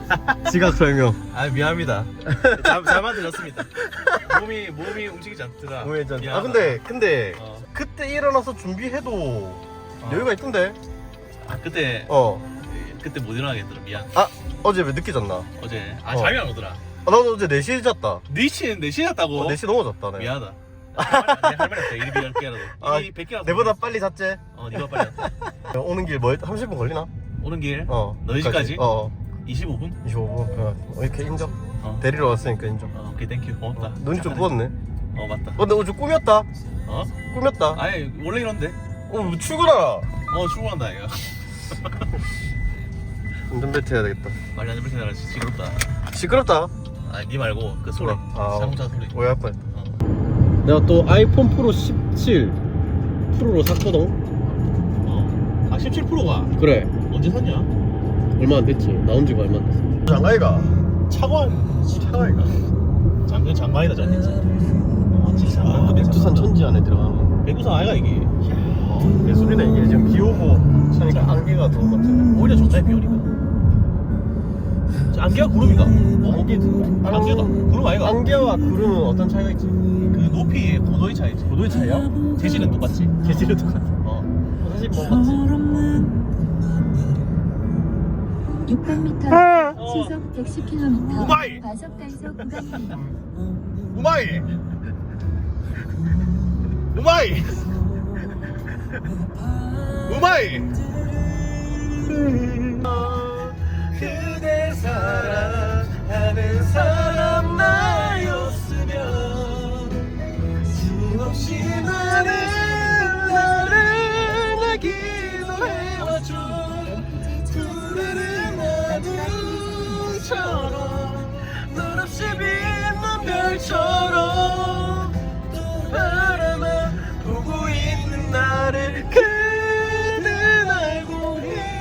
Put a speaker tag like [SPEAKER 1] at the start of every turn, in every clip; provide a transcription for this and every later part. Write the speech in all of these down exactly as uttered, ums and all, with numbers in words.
[SPEAKER 1] 지각 설명.
[SPEAKER 2] 아 미안합니다. 잘, 잘 만들었습니다. 몸이 몸이 움직이지 않더라.
[SPEAKER 1] 우회전. 아
[SPEAKER 2] 미안하다.
[SPEAKER 1] 근데 근데
[SPEAKER 2] 어.
[SPEAKER 1] 그때 일어나서 준비해도
[SPEAKER 2] 어.
[SPEAKER 1] 여유가 있던데.
[SPEAKER 2] 아 그때
[SPEAKER 1] 어.
[SPEAKER 2] 그때 못 일어나겠더라. 미안.
[SPEAKER 1] 아 어제 왜 늦게 잤나?
[SPEAKER 2] 어제 아
[SPEAKER 1] 어.
[SPEAKER 2] 잠이 안 오더라.
[SPEAKER 1] 아, 나도 어제 네 시에 잤다.
[SPEAKER 2] 네 시에 네 시에 잤다고?
[SPEAKER 1] 어, 네 시 넘어졌다. 네.
[SPEAKER 2] 미안하다. 할 말이 없다. 일이 열 개라도.
[SPEAKER 1] 아,
[SPEAKER 2] 일이 백 개라도.
[SPEAKER 1] 내보다 빨리 잤지?
[SPEAKER 2] 어, 네가 빨리 왔다.
[SPEAKER 1] 오는 길 뭐 삼십 분 걸리나?
[SPEAKER 2] 오는 길.
[SPEAKER 1] 어.
[SPEAKER 2] 너희 집까지?
[SPEAKER 1] 어.
[SPEAKER 2] 이십오 분?
[SPEAKER 1] 이십오 분. 어, 이렇게 인정.
[SPEAKER 2] 어.
[SPEAKER 1] 데리러 왔으니까 인정.
[SPEAKER 2] 어, 오케이, 땡큐. 고맙다.
[SPEAKER 1] 어, 눈이 좀
[SPEAKER 2] 착하네.
[SPEAKER 1] 부었네.
[SPEAKER 2] 어, 맞다.
[SPEAKER 1] 어, 근데 어제 꾸몄다.
[SPEAKER 2] 어?
[SPEAKER 1] 꾸몄다.
[SPEAKER 2] 아니, 원래 이런데.
[SPEAKER 1] 어, 출근하라.
[SPEAKER 2] 어, 출근한다, 이거.
[SPEAKER 1] 운전벨트 해야 되겠다.
[SPEAKER 2] 말이 안 들리게 나라 시끄럽다.
[SPEAKER 1] 시끄럽다.
[SPEAKER 2] 아니, 니 말고 그 소리.
[SPEAKER 1] 아,
[SPEAKER 2] 자동차 소리.
[SPEAKER 1] 오해할 뻔했다.
[SPEAKER 2] 어.
[SPEAKER 1] 내가 또 아이폰 프로 십칠 프로로 샀거든.
[SPEAKER 2] 어. 아, 십칠 프로가
[SPEAKER 1] 그래.
[SPEAKER 2] 언제 샀냐?
[SPEAKER 1] 얼마 안 됐지. 나온 지가 얼마 안 됐어. 장가이가.
[SPEAKER 2] 차관.
[SPEAKER 1] 차가이가.
[SPEAKER 2] 장근 장관이다, 전 진짜. 어, 진짜
[SPEAKER 1] 아,
[SPEAKER 2] 장관급이야.
[SPEAKER 1] 백두산 천지 안에 들어가는.
[SPEAKER 2] 백두산 아이가 이게.
[SPEAKER 1] 어, 예술이네. 이게 지금 비 오고 차니까 안개가 더 맞잖아.
[SPEAKER 2] 오히려 좋다, 비 오니까. 저 안개가 구름인가? 어?
[SPEAKER 1] 안개지.
[SPEAKER 2] 안개다. 구름 아이가?
[SPEAKER 1] 안개와 구름은 어떤 차이가 있지?
[SPEAKER 2] 그 높이의 고도의 차이지.
[SPEAKER 1] 고도의 차이야?
[SPEAKER 2] 재질은 똑같지.
[SPEAKER 1] 재질은 똑같아.
[SPEAKER 2] 어.
[SPEAKER 1] 사실 뭐 맞지?
[SPEAKER 3] 육백 미터
[SPEAKER 2] 어.
[SPEAKER 3] 시속 백십 킬로미터
[SPEAKER 2] 우마이!
[SPEAKER 3] 과속 단속 구간입니다.
[SPEAKER 2] 우마이! 우마이! 우마이! 그대 사랑하는 사람 나였으면 수없이 많은 나를 나 기도해와줘 푸르른 하늘처럼 널 없이 빛난 별처럼 또 바라만 보고 있는 나를 그는 알고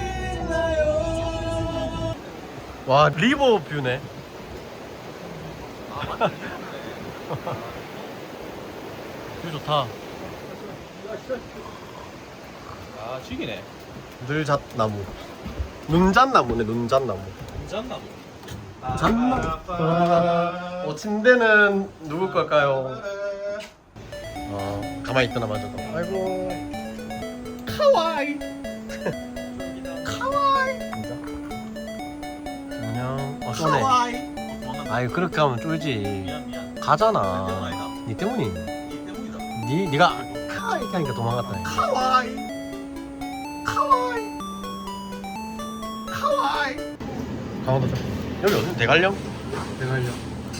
[SPEAKER 2] 있나요?
[SPEAKER 1] 와 리버 뷰네. 뷰 좋다.
[SPEAKER 2] 아 죽이네.
[SPEAKER 1] 늘잣나무. 눈잣나무네. 눈잣나무.
[SPEAKER 2] 괜찮나무.
[SPEAKER 1] 잣나무. 어 침대는 누구 걸까요? 어 가만히 있더나 맞아도. 아이고.
[SPEAKER 2] 카와이. 카와이.
[SPEAKER 1] 진짜. 안녕. 어 쏘네.
[SPEAKER 2] 카와이.
[SPEAKER 1] 아이 그렇게 하면 쫄지.
[SPEAKER 2] 미안 미안.
[SPEAKER 1] 가잖아.
[SPEAKER 2] 아니다.
[SPEAKER 1] 니 때문이.
[SPEAKER 2] 이 때문이다.
[SPEAKER 1] 니 니가 카 이렇게 하니까 도망갔다.
[SPEAKER 2] 카와이. 카와이. 카와이.
[SPEAKER 1] 강원도 쪽. 여기 어디? 대관령? 대관령.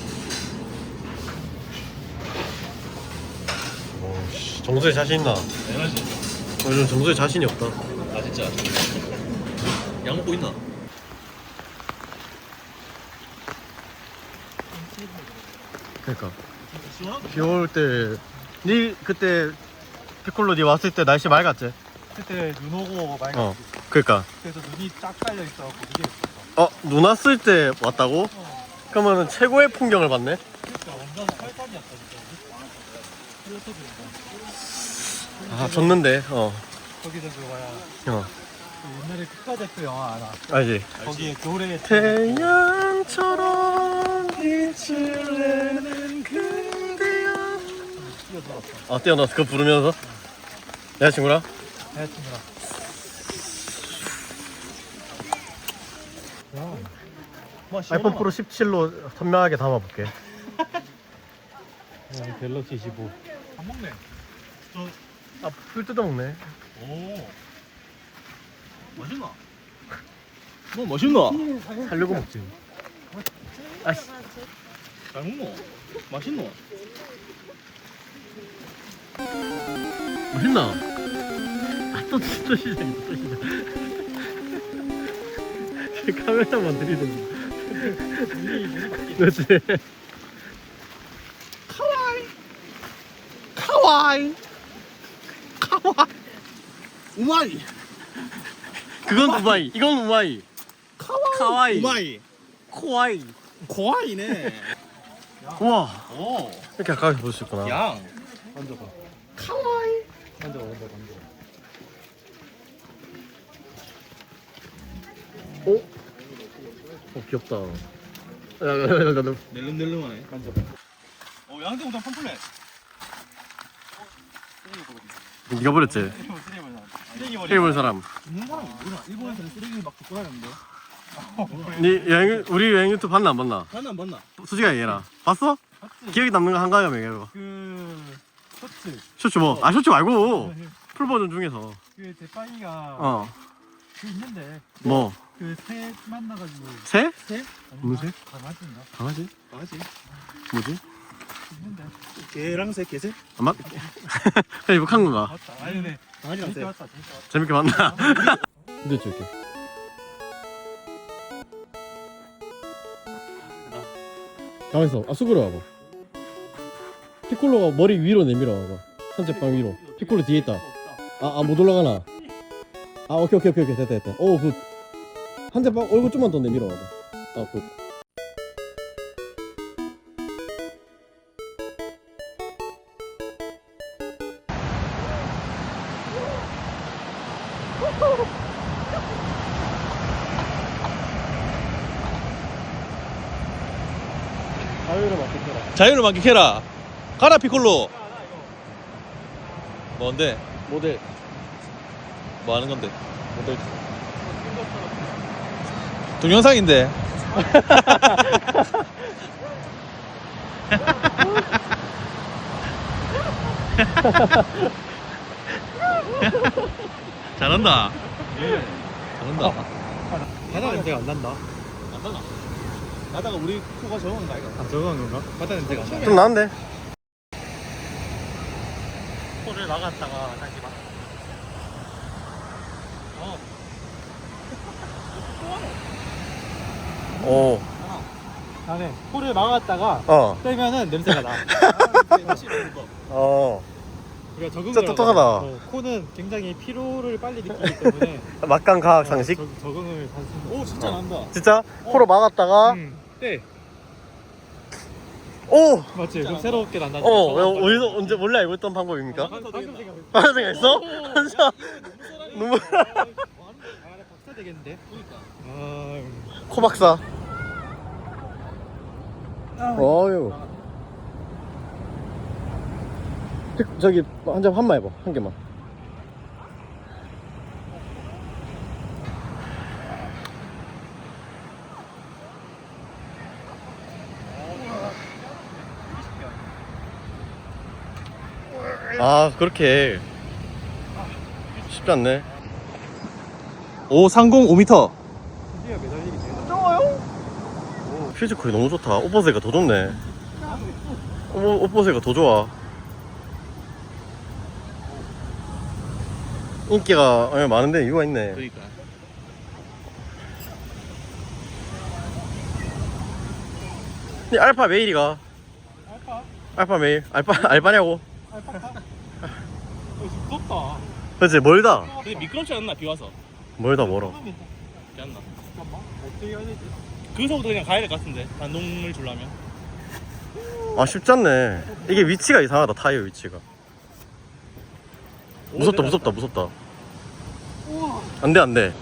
[SPEAKER 1] 오씨 정수에 자신 있나?
[SPEAKER 2] 당연하지.
[SPEAKER 1] 요즘 정수에 자신이 없다.
[SPEAKER 2] 아 진짜. 약 먹고 있나?
[SPEAKER 1] 그러니까
[SPEAKER 2] 시원하다.
[SPEAKER 1] 비 올 때, 니 그때 피콜로 니 왔을 때 날씨 맑았지?
[SPEAKER 4] 그때 눈 오고 맑았지.
[SPEAKER 1] 어. 그러니까.
[SPEAKER 4] 그래서 눈이 쫙 깔려 있어갖고 이게 있었어.
[SPEAKER 1] 어, 눈 왔을 때 왔다고?
[SPEAKER 4] 어.
[SPEAKER 1] 그러면은 최고의 풍경을 봤네.
[SPEAKER 4] 그러니까 완전 설산이었다 진짜. 그래서 그런가.
[SPEAKER 1] 아, 졌는데. 어.
[SPEAKER 4] 거기서 그 뭐야
[SPEAKER 1] 어.
[SPEAKER 4] 그 옛날에 국가대표 영화 알아?
[SPEAKER 1] 알지?
[SPEAKER 4] 거기에 노래
[SPEAKER 1] 태양처럼 빛을 내는 그대여.
[SPEAKER 4] 뛰어들었어.
[SPEAKER 1] 어, 뛰어넣었어. 그거 부르면서. 여자친구랑?
[SPEAKER 4] 여자친구랑. 야. 뭐
[SPEAKER 1] 아이폰 프로 십칠로 선명하게 담아볼게.
[SPEAKER 4] 갤럭시 십오. 안 먹네. 저
[SPEAKER 1] 아, 풀 뜯어먹네.
[SPEAKER 2] 오. 맛있나? 뭐 맛있나?
[SPEAKER 1] 살려고 먹지. 아씨.
[SPEAKER 2] 잘 먹노? 맛있노?
[SPEAKER 1] 맛있나? 아, 또, 또 시작이다, 또 시작. 카메라만 들이대는 그렇지.
[SPEAKER 2] 카와이. 카와이. 카와이. 우마이.
[SPEAKER 1] 그건 우마이, 이건 우마이.
[SPEAKER 2] 카와이.
[SPEAKER 1] 카와이.
[SPEAKER 2] 우마이.
[SPEAKER 1] 코아이.
[SPEAKER 2] 고아이네.
[SPEAKER 1] 우와,
[SPEAKER 2] 오.
[SPEAKER 1] 이렇게 가까이 볼 수 있구나.
[SPEAKER 2] 양.
[SPEAKER 4] 만져봐.
[SPEAKER 2] 카와이.
[SPEAKER 4] 만져봐, 만져봐, 만져봐.
[SPEAKER 1] 오? 어 귀엽다. 야야야야 너
[SPEAKER 2] 낼름낼름하네.
[SPEAKER 4] 어 양재 우동 팜플렛.
[SPEAKER 1] 네가 버렸지?
[SPEAKER 4] 쓰레기 버리.
[SPEAKER 1] 테이블 사람.
[SPEAKER 4] 있는 사람이 모르나? 일본에서는 쓰레기 막 줍고 다녔는데.
[SPEAKER 1] 네 여행 우리 여행 유튜브 봤나 안 봤나?
[SPEAKER 2] 봤나 안 봤나?
[SPEAKER 1] 솔직하게 얘기해라. 봤어?
[SPEAKER 4] 봤지?
[SPEAKER 1] 기억에 남는 거 한 가지만 얘기해봐.
[SPEAKER 4] 그 쇼츠.
[SPEAKER 1] 쇼츠 뭐? 아 쇼츠 말고 풀 버전 중에서.
[SPEAKER 4] 그 제빵이가
[SPEAKER 1] 어.
[SPEAKER 4] 그 있는데
[SPEAKER 1] 뭐?
[SPEAKER 4] 그 새 만나가지고
[SPEAKER 1] 새?
[SPEAKER 4] 새?
[SPEAKER 1] 무슨 새?
[SPEAKER 4] 강아지인가?
[SPEAKER 1] 강아지?
[SPEAKER 2] 맞지.
[SPEAKER 1] 뭐지?
[SPEAKER 4] 있는데.
[SPEAKER 2] 개랑 새 개새?
[SPEAKER 1] 안 맞? 그냥 이거 한 건가?
[SPEAKER 4] 맞다. 아니 근데
[SPEAKER 2] 강아지랑
[SPEAKER 4] 재밌게
[SPEAKER 2] 새.
[SPEAKER 4] 봤다. 재밌게 봤다.
[SPEAKER 1] 재밌게 봤나? 근데 저렇게. 가만있어. 아 수그러 와봐. 피콜로가 머리 위로 내밀어 와봐. 산책방 위로. 피콜로 뒤에 있다. 아, 아, 못 올라가나? 아, 오케이, 오케이, 오케이, 오케이. 됐다, 됐다. 오, 굿. 한대방 얼굴 좀만 더 내밀어 와봐. 아, 굿. 자유를 맡기켜라.
[SPEAKER 2] 자유를 만끽해라. 가라 피콜로. 뭔데?
[SPEAKER 1] 모델.
[SPEAKER 2] 뭐 하는 건데?
[SPEAKER 1] 모델.
[SPEAKER 2] 동영상인데. 잘한다. 잘한다.
[SPEAKER 4] 바다 냄새가 안 난다.
[SPEAKER 2] 안 나나? 나다가 우리 코가 적은 거 아이가?
[SPEAKER 4] 아 저거한 건가? 바다 냄새가 안 나.
[SPEAKER 1] 좀 나은데?
[SPEAKER 4] 코를 막았다가 다시 막. 어.
[SPEAKER 1] 오.
[SPEAKER 4] 나는 코를 막았다가
[SPEAKER 1] 어.
[SPEAKER 4] 빼면은 냄새가 나.
[SPEAKER 1] 어.
[SPEAKER 4] 우리가 적응을
[SPEAKER 1] 진짜 똑똑하다.
[SPEAKER 4] 하다가, 어, 코는 굉장히 피로를 빨리 느끼기 때문에
[SPEAKER 1] 막강 과학 상식?
[SPEAKER 4] 어, 적, 적응을 할 수 있는.
[SPEAKER 2] 오 진짜
[SPEAKER 1] 어.
[SPEAKER 2] 난다.
[SPEAKER 1] 진짜? 코로 막았다가,
[SPEAKER 4] 음, 네.
[SPEAKER 1] 오!
[SPEAKER 4] 맞지? 좀 새롭게 난다.
[SPEAKER 1] 어, 왜, 어디서, 언제, 원래 알고 있던 방법입니까?
[SPEAKER 4] 방금 생각했어.
[SPEAKER 1] 하는 생각했어? 진짜? 눈물.
[SPEAKER 4] 아, 나 박사 되겠는데? 그러니까. 아,
[SPEAKER 1] 코박사. 어유. 저기, 한 잔, 한 마 해봐. 한 개만. 아, 그렇게. 쉽지 않네.
[SPEAKER 2] 오백삼십 오 미터.
[SPEAKER 4] 드디어 매달리기 되네.
[SPEAKER 1] 퓨즈콜이 너무 좋다. 옷보세가 더 좋네. 옷, 옷보세가 더 좋아. 인기가 예, 많은데 이유가 있네.
[SPEAKER 2] 그러니까.
[SPEAKER 1] 이 알파 메일이가.
[SPEAKER 4] 알파?
[SPEAKER 1] 알파 메일. 알파 알바냐고.
[SPEAKER 4] 알파카? 어, 무섭다.
[SPEAKER 1] 그렇지 멀다.
[SPEAKER 2] 근데 미끄럽지 않나 비 와서?
[SPEAKER 1] 멀다 멀어.
[SPEAKER 4] 그러면
[SPEAKER 2] 그렇지 않나?
[SPEAKER 4] 잠깐만. 어떻게 해야 되지?
[SPEAKER 2] 그서부터 그냥 가야 될 것 같은데 단동을 주려면.
[SPEAKER 1] 아 쉽지 않네. 이게 위치가 이상하다. 타이어 위치가. 무섭다 무섭다 무섭다.
[SPEAKER 4] 우와.
[SPEAKER 1] 안돼 안돼.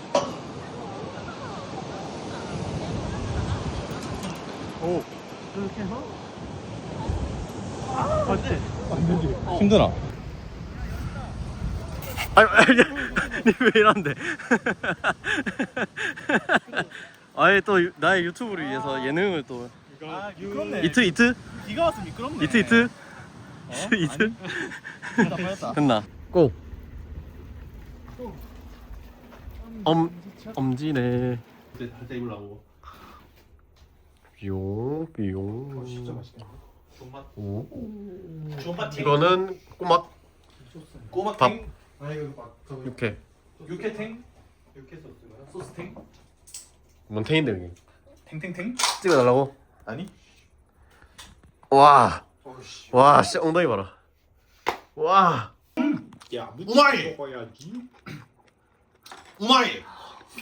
[SPEAKER 4] 오. 이렇게 해서? 아, 맞지? 안 되지.
[SPEAKER 2] 힘드나?
[SPEAKER 1] 아니 아니 니왜 이런데? 아예 또 유- 나의 유튜브를 위해서 예능을 또
[SPEAKER 2] 아
[SPEAKER 4] 미끄럽네.
[SPEAKER 1] 이트 이트
[SPEAKER 2] 비가 와서 미끄럽네.
[SPEAKER 1] 이트 이트
[SPEAKER 2] 어?
[SPEAKER 1] 이트
[SPEAKER 2] 아니, 빠졌다.
[SPEAKER 1] 됐나? 고. 엄 엄지네.
[SPEAKER 2] 한테 입으려고.
[SPEAKER 1] 뿅 뿅.
[SPEAKER 2] 어, 진짜 맛있다. 존맛.
[SPEAKER 1] 오.
[SPEAKER 2] 존맛.
[SPEAKER 1] 이거는 꼬막
[SPEAKER 2] 꼬막
[SPEAKER 1] 밥.
[SPEAKER 2] 탱.
[SPEAKER 4] 아 이거 막 저거
[SPEAKER 1] 육회.
[SPEAKER 2] 육회 탱.
[SPEAKER 4] 육회 소스가.
[SPEAKER 2] 소스 탱.
[SPEAKER 1] 몬테인데 여기.
[SPEAKER 2] 탱탱탱.
[SPEAKER 1] 찍어달라고?
[SPEAKER 2] 아니.
[SPEAKER 1] 와.
[SPEAKER 4] 어씨.
[SPEAKER 1] 와, 씨 엉덩이 봐라. 와.
[SPEAKER 4] 야,
[SPEAKER 2] 우마이!
[SPEAKER 4] 먹어야지.
[SPEAKER 2] 우마이.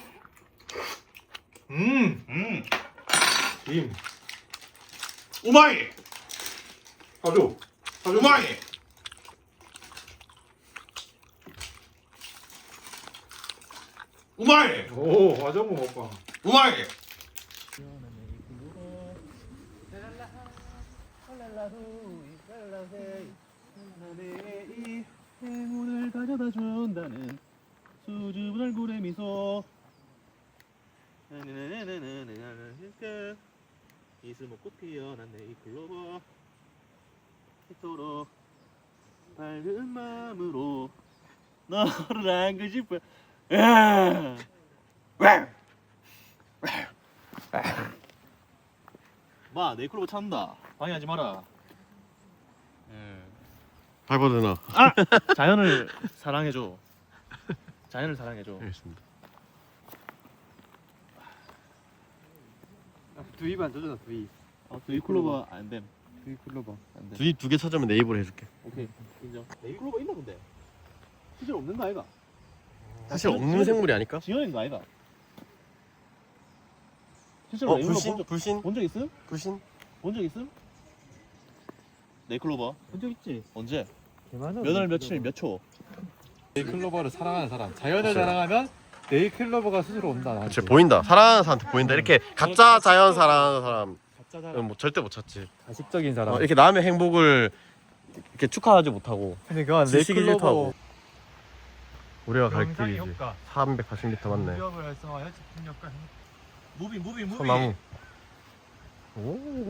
[SPEAKER 2] 음. 음.
[SPEAKER 4] 김.
[SPEAKER 2] 우마이.
[SPEAKER 4] 사줘. 사줘.
[SPEAKER 2] 우마이. 우마이.
[SPEAKER 4] 오, 화정부 먹방.
[SPEAKER 2] 우마이. 이 행운을 가져다 준다는 수줍은 얼굴의 미소. 이슬목꽃 피어난 네잎클로버 이토록 밝은 마음으로 너를 안고 싶어. 마 네잎클로버 찾는다. 방해하지 마라.
[SPEAKER 1] 밟아도 되나?
[SPEAKER 2] 아! 자연을 사랑해줘. 자연을 사랑해줘.
[SPEAKER 1] 알겠습니다.
[SPEAKER 4] 두입 안 젖어나 두입.
[SPEAKER 2] 아, 네잎클로버 안 됨.
[SPEAKER 4] 두입 클로버.
[SPEAKER 2] 안 돼.
[SPEAKER 1] 두두 개 찾으면 내 입으로 해줄게.
[SPEAKER 2] 오케이 인정. 네잎클로버 있나 본데? 실제로 없는 거 아이가?
[SPEAKER 1] 사실 없는 생물이 아닐까?
[SPEAKER 2] 지어낸 거 아이가? 실제로
[SPEAKER 1] 어
[SPEAKER 2] 네잎클로버
[SPEAKER 1] 불신?
[SPEAKER 2] 본 적-
[SPEAKER 1] 불신?
[SPEAKER 2] 본 적 있음?
[SPEAKER 1] 불신?
[SPEAKER 2] 본 적 있음? 네잎클로버
[SPEAKER 4] 본적 있지?
[SPEAKER 2] 언제?
[SPEAKER 4] 개많아.
[SPEAKER 2] 몇 월 며칠 몇 초?
[SPEAKER 4] 네잎클로버를 사랑하는 사람. 자연을
[SPEAKER 1] 그치.
[SPEAKER 4] 사랑하면 네잎클로버가 스스로 온다. 나한테.
[SPEAKER 1] 그치 보인다. 사랑하는 사람한테 보인다. 이렇게 가짜 자연 사랑하는 사람
[SPEAKER 4] 가짜 사람.
[SPEAKER 1] 뭐 절대 못 찾지.
[SPEAKER 4] 가식적인 사람.
[SPEAKER 1] 어, 이렇게 남의 행복을 이렇게 축하하지 못하고
[SPEAKER 4] 근데 그건
[SPEAKER 1] 지식이
[SPEAKER 4] 네잎클로버
[SPEAKER 1] 싫다고. 우리가 갈
[SPEAKER 4] 영상의
[SPEAKER 1] 길이지.
[SPEAKER 4] 효과.
[SPEAKER 1] 삼백팔십 미터 맞네.
[SPEAKER 4] 무역을 활성화하여 집중 효과.
[SPEAKER 2] 무비 무비 무비.
[SPEAKER 1] 소나무. 오.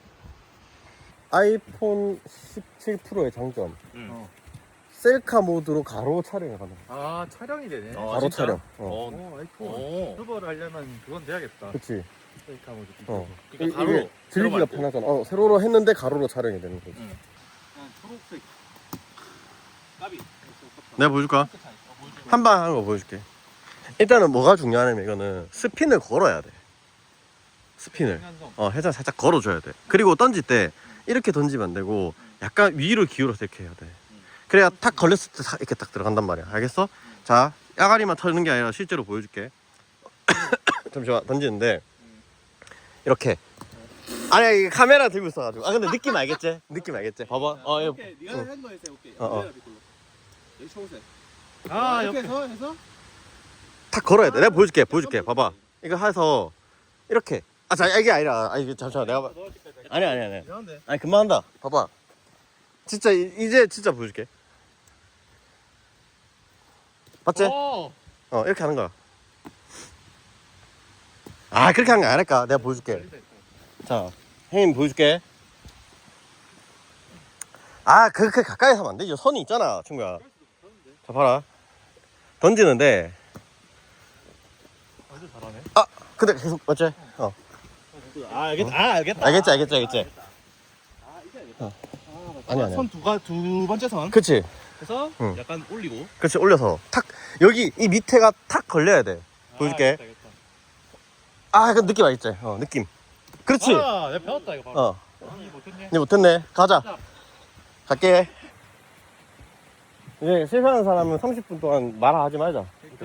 [SPEAKER 1] 아이폰 십칠 프로의 장점.
[SPEAKER 2] 응.
[SPEAKER 4] 어.
[SPEAKER 1] 셀카 모드로 가로 촬영이 가능.
[SPEAKER 4] 아 촬영이 되네.
[SPEAKER 2] 어,
[SPEAKER 1] 가로
[SPEAKER 2] 진짜?
[SPEAKER 1] 촬영. 어.
[SPEAKER 2] 어.
[SPEAKER 4] 오 아이폰.
[SPEAKER 2] 오.
[SPEAKER 4] 유튜버를 하려면 그건 돼야겠다.
[SPEAKER 1] 그치.
[SPEAKER 4] 셀카 모드.
[SPEAKER 1] 어.
[SPEAKER 2] 그러니까
[SPEAKER 1] 이-
[SPEAKER 2] 가로.
[SPEAKER 1] 이게 들기가
[SPEAKER 2] 세로 말고.
[SPEAKER 1] 편하잖아. 어, 세로로 했는데 가로로 촬영이 되는 거지.
[SPEAKER 2] 응.
[SPEAKER 4] 그냥 초록색.
[SPEAKER 2] 까비.
[SPEAKER 1] 내가 보여줄까? 한 방 하는 거 보여줄게. 일단은 뭐가 중요하냐면 이거는 스핀을 걸어야 돼. 스핀을.
[SPEAKER 4] 생산성.
[SPEAKER 1] 어, 해상 살짝 걸어줘야 돼. 그리고 던질 때 이렇게 던지면 안 되고 약간 위로 기울여서 이렇게 해야 돼. 그래야 탁 걸렸을 때 탁 이렇게 딱 들어간단 말이야. 알겠어? 자, 야가리만 터는 게 아니라 실제로 보여줄게. 잠시만 던지는데 이렇게. 아니야 이게 카메라 들고 있어가지고. 아 근데 느낌 알겠지? 느낌 알겠지? 봐봐. 어, 이거.
[SPEAKER 2] 오케이. 네가
[SPEAKER 1] 응.
[SPEAKER 2] 한 거 해서 오케이.
[SPEAKER 1] 어, 어.
[SPEAKER 2] 여기 초록색.
[SPEAKER 4] 아
[SPEAKER 2] 이렇게
[SPEAKER 4] 옆에.
[SPEAKER 2] 해서 해서
[SPEAKER 1] 탁 걸어야 돼. 내가 보여줄게. 보여줄게. 봐봐. 이거 해서 이렇게. 아, 자, 이게 아니라. 아, 이게 잠시만. 내가 봐. 아니 아니 아니.
[SPEAKER 2] 이상한데.
[SPEAKER 1] 아니 금방 한다. 봐봐. 진짜 이, 이제 진짜 보여줄게. 봤지?
[SPEAKER 4] 오.
[SPEAKER 1] 어 이렇게 하는 거야. 아 그렇게 하는 거 아닐까? 내가 보여줄게. 자, 형님 보여줄게. 아 그렇게 가까이 하면 안 되죠. 선이 있잖아, 친구야. 자 봐라. 던지는데.
[SPEAKER 4] 완전 잘하네.
[SPEAKER 1] 아 근데 계속 맞지? 어.
[SPEAKER 2] 아 알겠다. 아 알겠다.
[SPEAKER 1] 알겠지, 알겠지, 알겠지.
[SPEAKER 2] 아 이제 알겠다.
[SPEAKER 1] 어.
[SPEAKER 2] 아,
[SPEAKER 1] 아니, 아니.
[SPEAKER 2] 선두가두 번째 선.
[SPEAKER 1] 그치,
[SPEAKER 2] 해서
[SPEAKER 1] 응.
[SPEAKER 2] 약간 올리고.
[SPEAKER 1] 그치 올려서 탁 여기 이 밑에가 탁 걸려야 돼. 보여줄게.
[SPEAKER 4] 아, 알겠다, 알겠다.
[SPEAKER 1] 아 그 느낌 알겠지? 어 느낌. 그렇지.
[SPEAKER 4] 아, 내가 배웠다 이거 바로.
[SPEAKER 1] 어.
[SPEAKER 4] 아, 이거 못했네.
[SPEAKER 1] 이제 못했네. 가자. 갈게. 이제 실패하는 사람은 삼십 분 동안 말하지 말자.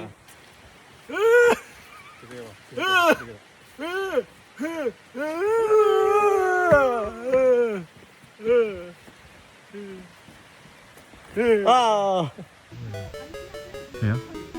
[SPEAKER 1] 아.
[SPEAKER 4] 돼요?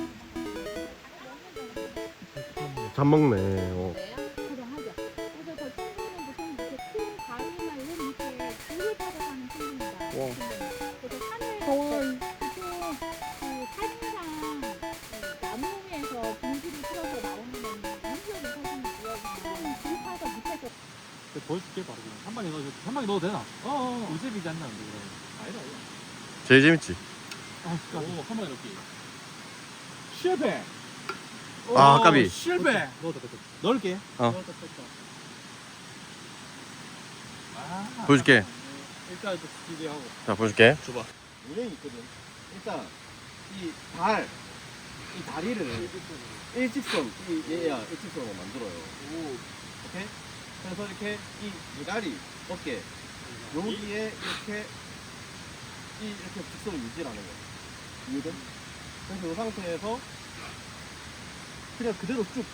[SPEAKER 1] 잘 먹네. 어.
[SPEAKER 5] 가능하죠. 그래서 저 친구는 보통 이렇게 큰 바위나 이런 밑에 돌을 타고 사는 친구입니다. 그래서 산을 보통 그 사진상 그 나무에서 분지를 틀어서 나오는 인적인 사진이 이어지는 길 타서 밑에서
[SPEAKER 4] 보여줄게 바로 그냥. 한 방에 넣어줘. 한 방에 넣어도 되나? 어어. 우집이지 않나 근데 그러면.
[SPEAKER 2] 아니다 아니다.
[SPEAKER 1] 제일 재밌지.
[SPEAKER 4] 아, 진짜.
[SPEAKER 2] 오한 번에 넣기. 실패.
[SPEAKER 1] 아,
[SPEAKER 2] 오,
[SPEAKER 1] 까비.
[SPEAKER 2] 실패.
[SPEAKER 4] 넣었다 넣었다.
[SPEAKER 2] 넣을게.
[SPEAKER 1] 어.
[SPEAKER 4] 넣었다 넣었다.
[SPEAKER 2] 아.
[SPEAKER 1] 보여줄게.
[SPEAKER 4] 일단 또 스피디하고.
[SPEAKER 1] 자, 보여줄게.
[SPEAKER 2] 줘봐.
[SPEAKER 6] 유행이 있거든. 일단 이 발, 이 다리를 일직선, 이 얘야 일직선으로 만들어요.
[SPEAKER 4] 오.
[SPEAKER 6] 오케이? 그래서 이렇게 이 대가리, 어깨 여기에 이렇게 이 이렇게 직선을 유지하는 거야. 이해돼? 그래서 이 상태에서 그냥 그대로 쭉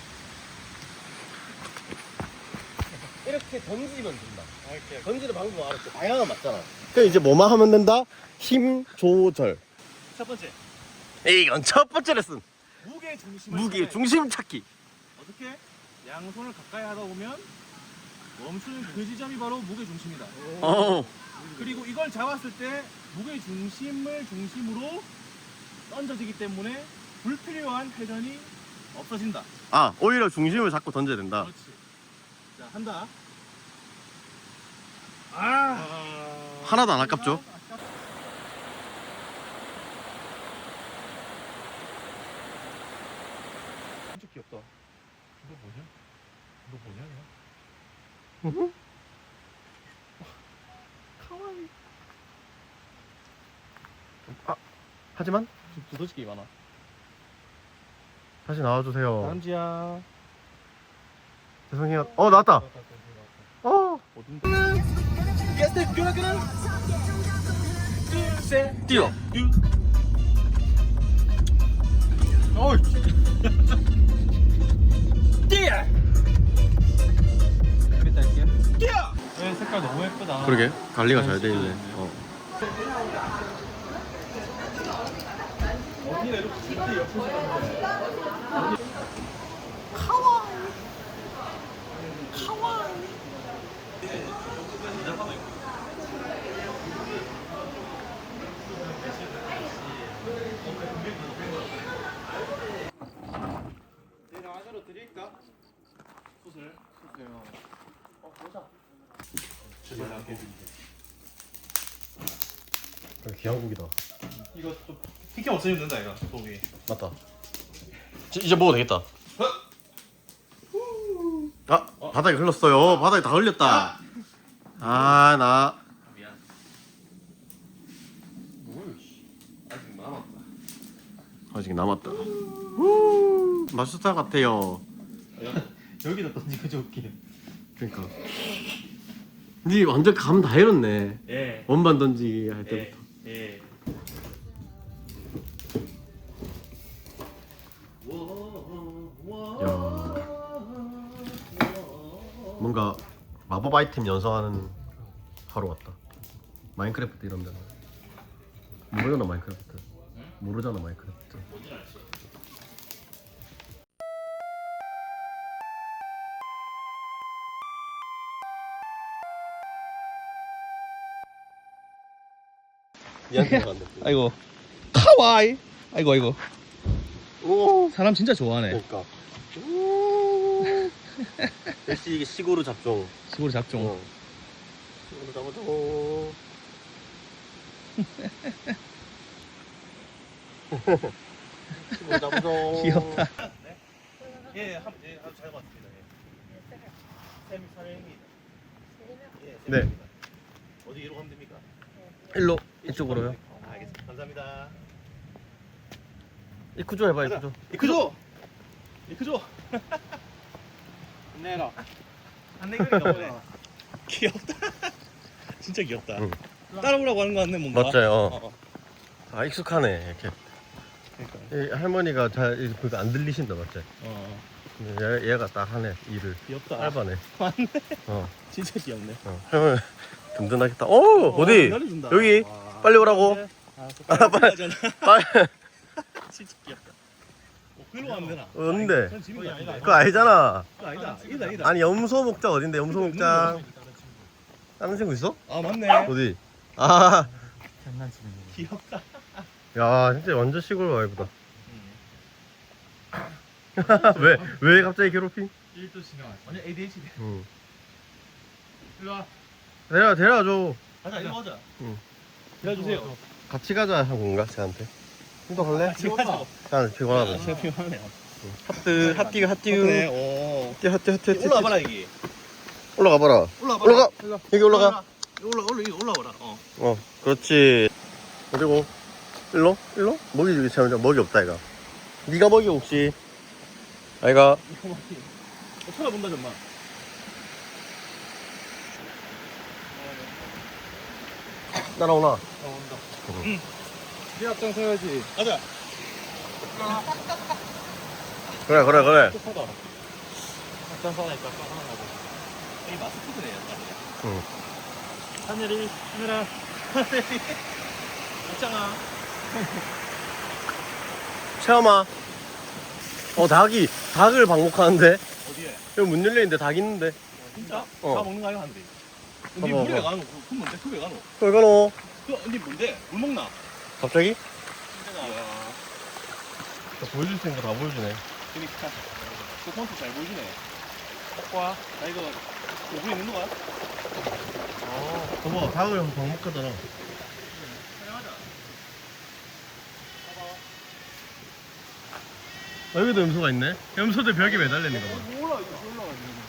[SPEAKER 1] 이렇게 던지면 된다.
[SPEAKER 4] 아, 이렇게.
[SPEAKER 1] 던지는 방법 알았지? 방향은 맞잖아. 그럼 이제 뭐만 하면 된다? 힘 조절.
[SPEAKER 2] 첫 번째.
[SPEAKER 1] 이건 첫 번째 레슨.
[SPEAKER 2] 무게 중심을
[SPEAKER 1] 무게
[SPEAKER 2] 찾아야 돼.
[SPEAKER 1] 중심 찾기.
[SPEAKER 2] 어떻게? 양손을 가까이 하다 보면 멈추는 그 지점이 바로 무게 중심이다.
[SPEAKER 1] 어.
[SPEAKER 2] 그리고 이걸 잡았을 때 무게 중심을 중심으로 던져지기 때문에 불필요한 회전이 없어진다.
[SPEAKER 1] 아 오히려 중심을 잡고 던져야 된다.
[SPEAKER 2] 그렇지. 자, 한다. 아,
[SPEAKER 1] 하나도 안 아깝죠?
[SPEAKER 2] 진짜 귀엽다.
[SPEAKER 4] 너 뭐냐? 너 뭐냐? 야?
[SPEAKER 1] 하지만
[SPEAKER 2] 좀 두더지게 많아.
[SPEAKER 1] 다시 나와주세요.
[SPEAKER 2] 남지야.
[SPEAKER 1] 죄송해요. 어 나왔다. 어.
[SPEAKER 2] 어딘데? 게스트 끄라끄라. 둘셋
[SPEAKER 1] 뛰어.
[SPEAKER 2] 어이. 뛰어. 그랬다 할게. 뛰어.
[SPEAKER 4] 네, 색깔 너무 예쁘다.
[SPEAKER 1] 그러게 관리가 잘 돼 있네. 어.
[SPEAKER 2] 내가 안으로 드릴까? 숯을. 숯을요. 어, 보자.
[SPEAKER 1] 기한국이다.
[SPEAKER 2] 이거 좀 피켓 없으면 된다 이거 소고기.
[SPEAKER 1] 맞다. 지- 이제 먹어도 되겠다. 아 바닥에 흘렀어요. 바닥에 다 흘렸다. 아 나.
[SPEAKER 2] 미안. 뭘? 아직 남았다.
[SPEAKER 1] 아직 남았다. 후, 맛있을 것 같아요.
[SPEAKER 2] 여기다 던지고 좋게.
[SPEAKER 1] 그러니까. 니 완전 감 다 잃었네.
[SPEAKER 2] 예.
[SPEAKER 1] 원반 던지기 할 때부터.
[SPEAKER 2] 예.
[SPEAKER 1] 야. 뭔가 마법 아이템 연상하는 하루 같다. 마인크래프트 이런 데는 모르잖아 마인크래프트. 모르잖아 마인크래프트. 니한테 간다.
[SPEAKER 2] 아이고. 카와이. 아이고 아이고.
[SPEAKER 1] 오.
[SPEAKER 2] 사람 진짜 좋아하네.
[SPEAKER 1] 그러니까. 오. 역시 이게 시골의 잡종.
[SPEAKER 2] 시골 잡종.
[SPEAKER 1] 어. 시골의 잡종. 시골의 잡종.
[SPEAKER 2] 귀엽다.
[SPEAKER 6] 예, 한, 예, 아주 잘 봤습니다. 예. 세, 사명입니다. 예, 세
[SPEAKER 1] 네.
[SPEAKER 6] 명입니다. 어디로 가면 됩니까?
[SPEAKER 1] 일로 이쪽으로요.
[SPEAKER 6] 아, 알겠습니다. 감사합니다.
[SPEAKER 1] 이쿠조 해봐 이쿠조.
[SPEAKER 2] 이크조. 이크조.
[SPEAKER 6] 내라.
[SPEAKER 2] 안내기가 너무해. 귀엽다. 진짜 귀엽다.
[SPEAKER 1] 응.
[SPEAKER 2] 따라오라고 하는 거 같네 뭔가.
[SPEAKER 1] 맞아요.
[SPEAKER 2] 어, 어.
[SPEAKER 1] 아 익숙하네 이렇게.
[SPEAKER 2] 그러니까.
[SPEAKER 1] 이 할머니가 잘 그거 안 들리신다 맞지?
[SPEAKER 2] 어.
[SPEAKER 1] 근데 얘, 얘가 딱 하네 일을.
[SPEAKER 2] 귀엽다.
[SPEAKER 1] 알바네.
[SPEAKER 2] 맞네.
[SPEAKER 1] 어.
[SPEAKER 2] 진짜 귀엽네.
[SPEAKER 1] 어. 할머니 든든하겠다. 오 어디?
[SPEAKER 2] 기다려준다.
[SPEAKER 1] 여기
[SPEAKER 2] 와.
[SPEAKER 1] 빨리 오라고.
[SPEAKER 2] 아,
[SPEAKER 1] 아, 빨리.
[SPEAKER 2] 잖아
[SPEAKER 1] 빨리.
[SPEAKER 2] 진짜 귀엽다. 어, 글로 가면 되나?
[SPEAKER 1] 어딘데?
[SPEAKER 2] 그건 집인 거 아니다.
[SPEAKER 1] 그거 아니잖아.
[SPEAKER 2] 그거 아니다. 이다 이다.
[SPEAKER 1] 아니 염소 목장 어딘데? 염소 목장. 다른 친구 있어?
[SPEAKER 2] 아 맞네.
[SPEAKER 1] 어디? 아,
[SPEAKER 4] 장난치는 거.
[SPEAKER 2] 귀엽다.
[SPEAKER 1] 야 진짜 완전 시골 와이프다.
[SPEAKER 2] 음.
[SPEAKER 1] 왜? 왜 갑자기 괴롭힘?
[SPEAKER 4] 일도 신경 안 써.
[SPEAKER 2] 완전 에이디에이치네.
[SPEAKER 1] 응.
[SPEAKER 4] 일로 와.
[SPEAKER 1] 데려 데려줘.
[SPEAKER 2] 가자 이리 가자.
[SPEAKER 1] 응.
[SPEAKER 2] 기다려주세요.
[SPEAKER 1] 같이 가자 한 건가 쟤한테? 형도 갈래?
[SPEAKER 2] 지금 가자.
[SPEAKER 1] 쟤한테 피곤하다.
[SPEAKER 2] 진짜 피곤하네요.
[SPEAKER 1] 하트 하띠가 하띠우.
[SPEAKER 2] 네. 오.
[SPEAKER 1] 하띠 하띠 하띠 하띠.
[SPEAKER 2] 올라와봐라 여기.
[SPEAKER 1] 올라가 봐라.
[SPEAKER 2] 올라와봐.
[SPEAKER 1] 올라가. 여기 올라가.
[SPEAKER 2] 올라 올라 여기 올라와라. 어.
[SPEAKER 1] 어, 그렇지. 그리고 일로 일로 먹이 주기 참 먹이 없다 이가. 네가 먹이 혹시? 아이가.
[SPEAKER 2] 이거 맞지? 어, 쳐다본다 정말.
[SPEAKER 1] 따라오나?
[SPEAKER 2] 어 온다. 응. 네 앞장 서야지. 가자.
[SPEAKER 1] 그래 그래 그래.
[SPEAKER 2] 똑하다. 앞장 서니까 또 하나 가자. 이 마스크네 약간.
[SPEAKER 1] 응.
[SPEAKER 2] 하늘이 하늘아 하늘이 있잖아.
[SPEAKER 1] 체험아. 어 닭이 닭을 방목하는데
[SPEAKER 2] 어디에?
[SPEAKER 1] 여기 문 열려 있는데 닭 있는데.
[SPEAKER 2] 진짜?
[SPEAKER 1] 어.
[SPEAKER 2] 다 먹는 거 아니야 하는데. 니
[SPEAKER 1] 봐봐,
[SPEAKER 2] 물에
[SPEAKER 1] 봐봐.
[SPEAKER 2] 가노? 그 뭔데? 그왜 가노?
[SPEAKER 1] 왜 가노?
[SPEAKER 2] 그니 뭔데? 물 먹나?
[SPEAKER 1] 갑자기?
[SPEAKER 2] 이야.
[SPEAKER 1] 보여줄 수 있는 거 다 보여주네.
[SPEAKER 2] 그니까. 그 폰트 잘 보여주네. 와, 나 이거 오고 있는 거야? 어.
[SPEAKER 1] 저거 닭을 형 방목하잖아.
[SPEAKER 2] 촬영하자.
[SPEAKER 1] 여기도 염소가 있네. 염소들 벽에 매달려 있는 거 봐.
[SPEAKER 2] 올라 이거 올라가지고.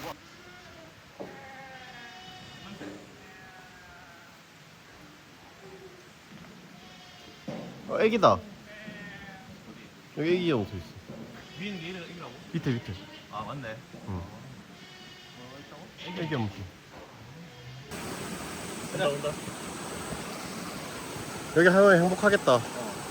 [SPEAKER 1] 어, 애기다. 여기 애기 염소 있어.
[SPEAKER 2] 위에 있는 게 이래- 이라고?
[SPEAKER 1] 밑에 밑에.
[SPEAKER 2] 아 맞네.
[SPEAKER 1] 응.
[SPEAKER 2] 어, 있다고?
[SPEAKER 1] 애기 염소.
[SPEAKER 2] 온다 온다.
[SPEAKER 1] 여기 하면 행복하겠다.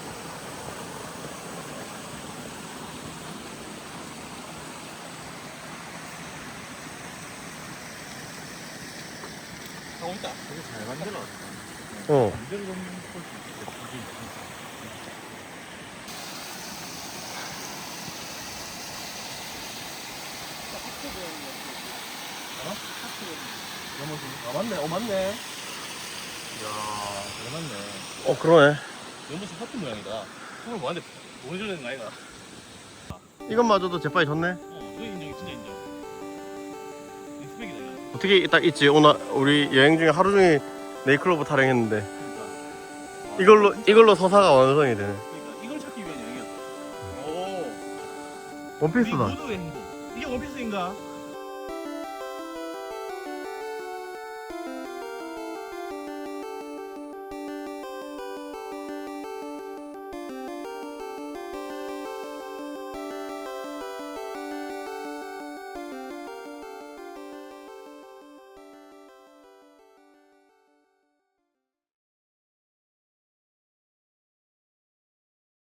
[SPEAKER 2] 하고 있다.
[SPEAKER 6] 되게 잘 만들어.
[SPEAKER 1] 어.
[SPEAKER 2] 이 정도는 볼수 있겠다.
[SPEAKER 6] 아 맞네. 어 맞네.
[SPEAKER 2] 이야, 잘 맞네.
[SPEAKER 1] 어 그러네.
[SPEAKER 2] 연못이 하트 모양이다. 그걸 뭐한테 보여줘야 되는 거 아이가?
[SPEAKER 1] 이것마저도 재빨리 졌네.
[SPEAKER 2] 어, 이거 인정, 진짜 인정. 리스펙이다 이거.
[SPEAKER 1] 어떻게 딱 있지? 오늘 우리 여행 중에 하루 종일 네이클로버 타령했는데
[SPEAKER 2] 그러니까.
[SPEAKER 1] 이걸로 이걸로 서사가 완성이 되네.
[SPEAKER 2] 그러니까 이걸 찾기 위한 여행이었다. 오.
[SPEAKER 1] 원피스다.
[SPEAKER 2] 우리 모두의 행복. 이게 원피스인가?